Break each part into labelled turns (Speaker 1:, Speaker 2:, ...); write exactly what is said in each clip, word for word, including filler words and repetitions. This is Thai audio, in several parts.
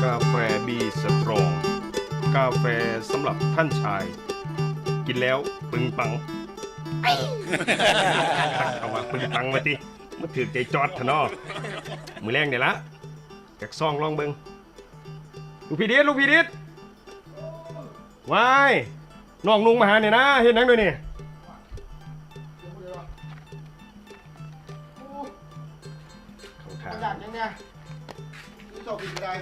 Speaker 1: าแฟบีสตรอง กาแฟสำหรับท่านชาย กินแล้วปึงปังเอาว่าปึงปังมาติมาถือใจจอดทะนอมือแรงเดี๋ยวละจากซองลองเบิงลูกพี่ดิษลูกพี่ดิษวายน้องนุ่งมาหาเนี่ยนะเห็นนังด้วยนี่
Speaker 2: อยากยังไงนี่ชอบกินอะไร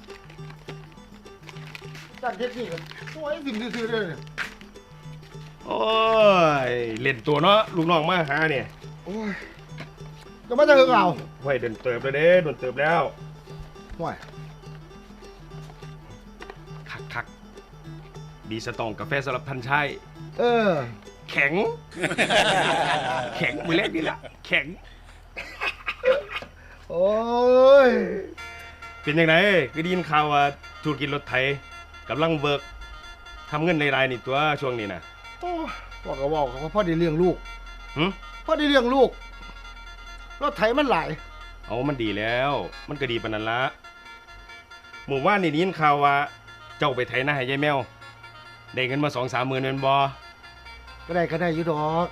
Speaker 2: จัดเด็ดนี่กันโอ้ยสิ่งซื่อๆเลยเนี่ย
Speaker 1: โอ้ยเล่นตัวเนาะลูกน้องมาหาเนี่ย
Speaker 2: โอ้ยจะมาจะเฮือกเอา
Speaker 1: ห้วยเดินเติบเลยเด้โดนเติบแล้ว
Speaker 2: ห่วย
Speaker 1: คักคักดีสตองกาแฟสำหรับท่านชาย
Speaker 2: เออ
Speaker 1: แข็งแข็งมือเล็กนี่แหละแข็ง
Speaker 2: โอ้ย
Speaker 1: เป็นยังไงก็ได้ยินข่าวว่าธุรกิจรถไถกำลังเบิกทำเงินในรายนี่ตัวช่วงนี้นะ
Speaker 2: บอกก็บอกเขาพ่อได้เลี้ยงลูก
Speaker 1: หื
Speaker 2: พ่อได้เลี้ยงลูกรถไถมันหลาย
Speaker 1: เอามันดีแล้วมันก็ดีปานนั้นละหมู่ว่านนี่ได้ยินข่าวว่าเจ้าไปไถนาให้ยายแมวได้เงินมาสองสามหมื่นเป็นบ่
Speaker 2: ก็ได้ก็ได้อยู่ดอก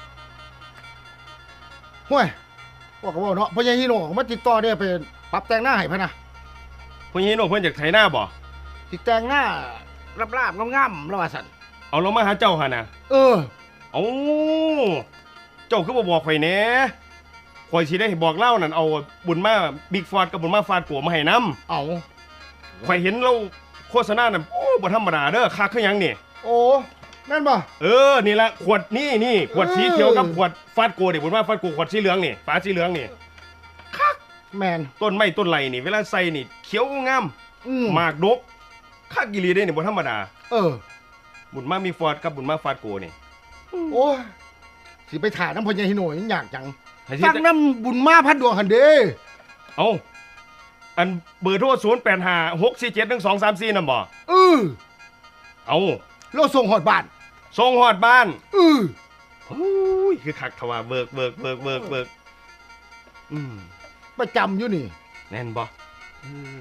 Speaker 2: ห่วยบอกก็บอกเนาะพ่อใหญ่ฮิโน่มาติดต่อได้ไปปรับแต่งหน้าให้พ่ะนะ
Speaker 1: พ่อใหญ่ฮิโน่เพิ่นอยากไถนาบ่
Speaker 2: ติดแต่งหน้าราบๆงามๆแล้วว่าซั่น
Speaker 1: เอาลงมาหาเจ้าหั่นน่ะ
Speaker 2: เออ
Speaker 1: เอาเจ้าคือบ่บอกข่อยแหน่ข่อยสิได้บอกเล่านั่นเอาบุญมาบิ๊กฟอร์ดกับบุญมาฟาดกัวมาให้นำ
Speaker 2: เอา
Speaker 1: ข่อยเห็นเราโฆษณานั่นโอ้บ่ธรรมดาเด้อคักคือหยังนี่
Speaker 2: โอ้แม่นบ่
Speaker 1: เออนี่ละขวดนี่นี่ขวดสีเขียวกับขวดฟาดกัวนี่บุญมาฟาดกัวขวดสีเหลืองนี่ฝาสีเหลืองนี่คัก
Speaker 2: แม่น
Speaker 1: ต้นไม้ต้นไหลนี่เวลาใส่นี่เขียวงามหมากดกคักอีหลีเด้นี่บ่ธรรมดา
Speaker 2: เออ
Speaker 1: บุญมามีฟอร์ดกับบุญมาฟาดกัวนี่
Speaker 2: โอ้ยสิไปถ่ายน้ำพ่อใหญ่ฮิโน่ยังยากจังฟังน้ำบุญมาพัดดวงหันเด้
Speaker 1: เอาอันเบอร์โทรศูนย์ แปด ห้า หก สี่ เจ็ด หนึ่ง สอง สาม สี่นำบ่
Speaker 2: เออ
Speaker 1: เอา
Speaker 2: เราส่งฮอดบ้าน
Speaker 1: ส่งฮอดบ้าน
Speaker 2: เออ
Speaker 1: โอ้ยคือคักทว่าเบิกเบิกเบิกเบิกเบิกอืม
Speaker 2: ประจำอยู่นี่
Speaker 1: แน่นบ่
Speaker 2: เออ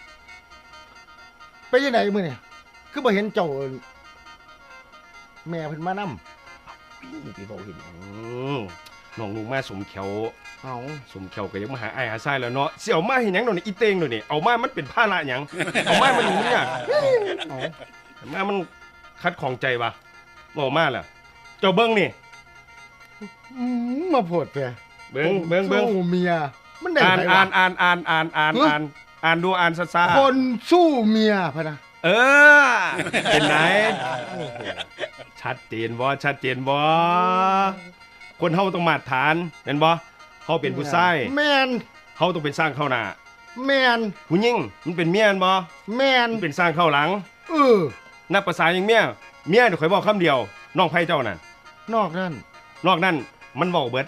Speaker 2: ไปยังไงมื้อนี่คือบ่เห็นเจ้าแม่เพิ่นมานำ
Speaker 1: พี่บอกเห็นน้องลุงมาสมเขียว
Speaker 2: เอา
Speaker 1: สมเขียวก็ยังมาหาไอ้หาไส้แล้วเนาะเสี่ยวมาเห็นยังหน่อยอีเตงหน่อยนี่เอามามันเป็นผ้าละหยังเอามามันมันเนี่ยเอามามันคัดของใจปะบอกมาล่ะเจ้าเบิ้งนี่
Speaker 2: มาโพดแก
Speaker 1: เบิ้งเบิ้งเบิ้ง
Speaker 2: เมียมันได้
Speaker 1: อ่านอ่านอ่านอ่านอ่านอ่านอ่านอ่านดูอ่านซะซะ
Speaker 2: คนสู้เมียพะนะ
Speaker 1: เออเป็นไหนชัดเจนบ่ชัดเจนบ่คนเฮาต้องมาตรฐานเห็นบ่เฮาเป็นผู้ชาย
Speaker 2: แม่น
Speaker 1: เฮาต้องเป็นสร้างเข้าหน้า
Speaker 2: แม่น
Speaker 1: ผู้หญิงมันเป็นเมียนบ่
Speaker 2: แม่น
Speaker 1: มันเป็นสร้างเข้าหลัง
Speaker 2: เออ
Speaker 1: นับภาษาอย่างเมียเมียนี่ข่อยบอกคำเดียวน้องไผเจ้านั่น
Speaker 2: นอกนั่น
Speaker 1: นอกนั่นมันเว้าเบิด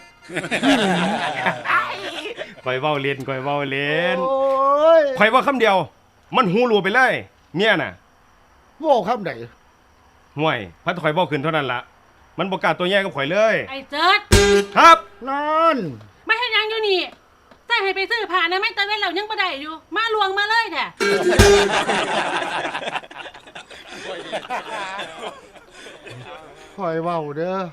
Speaker 1: ข่อยเว้าเล่นข่อยเว้าเล่นโอ้ยข่อยว่าคำเดียวมันหูรัวไปเลยเมียน่ะ
Speaker 2: เว้าคำใด
Speaker 1: ห่วยพัดข่อยเว้าขึ้นเท่านั้นล่ะมันบ่กล้าตัวแย่กับข่อยเลย
Speaker 3: ไอ้เจิด
Speaker 1: ครับ
Speaker 2: นั่น
Speaker 3: ไม่ให้ยังอยู่นี่ใส่ให้ไปซื้อผ้านะไม่ตะเว้นเรายังบ่ได้อยู่มาลวงมาเลยแท้
Speaker 2: ข่อยเว้าเด้อ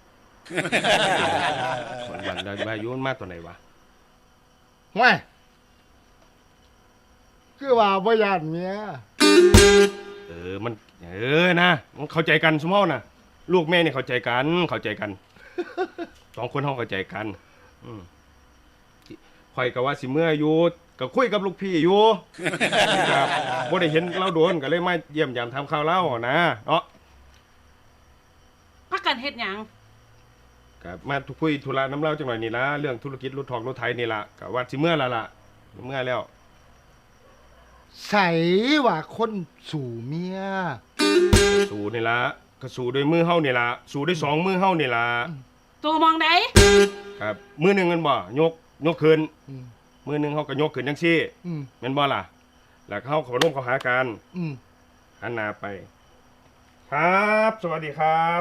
Speaker 1: วันได้มาอยู่มาตัวไหนวะ
Speaker 2: ห่วยคือว่าบ่ย่านเมีย
Speaker 1: เออมันเออนะมันเข้าใจกันซุมเฮาน่ะลูกแม่นี่เข้าใจกันเข้าใจกันสองคนเฮาเข้าใจกันอืมข่อยก็ว่าสิเมื่ออยู่ก็คุยกับลูกพี่อยู่ครับบ่ได้เห็นเราโดนก็เลยมาเยี่ยมยามทำข่าวเล่านะเนาะ
Speaker 3: พักกันเฮ็ดหยัง
Speaker 1: ครับมาทุกคุยธุระน้ำเล่าจังหน่อยนี่ล่ะเรื่องธุรกิจรถทองรถไถนี่ล่ะก็ว่าสิเมื่อแล้วล่ะเมื่อแล้ว
Speaker 2: ใส่ว่าคนสู่เมีย
Speaker 1: สู่นี่ล่ะก็สู่ด้วยมือเฮานี่ล่ะสู่ด้วยสองมือเฮานี่ล่ะ
Speaker 3: ตัวมองได
Speaker 1: ครับมือนึงมันบ่ยกยกขึ้นมือนึงเฮาก็ยกขึ้นจังซี่แม่นบ่ล่ะแล้วเฮาเข้าร่วมเข้าหากันหันหน้าไปครับสวัสดีครับ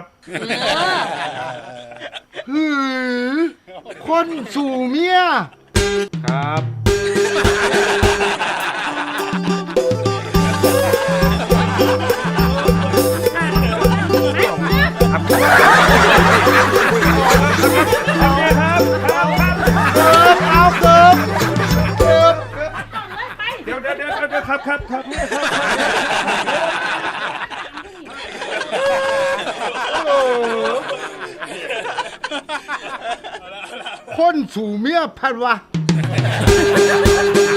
Speaker 2: หือคนสู่เมีย
Speaker 1: ครับครับครับครับเมียครับ
Speaker 2: คนสู่เมียพันวะ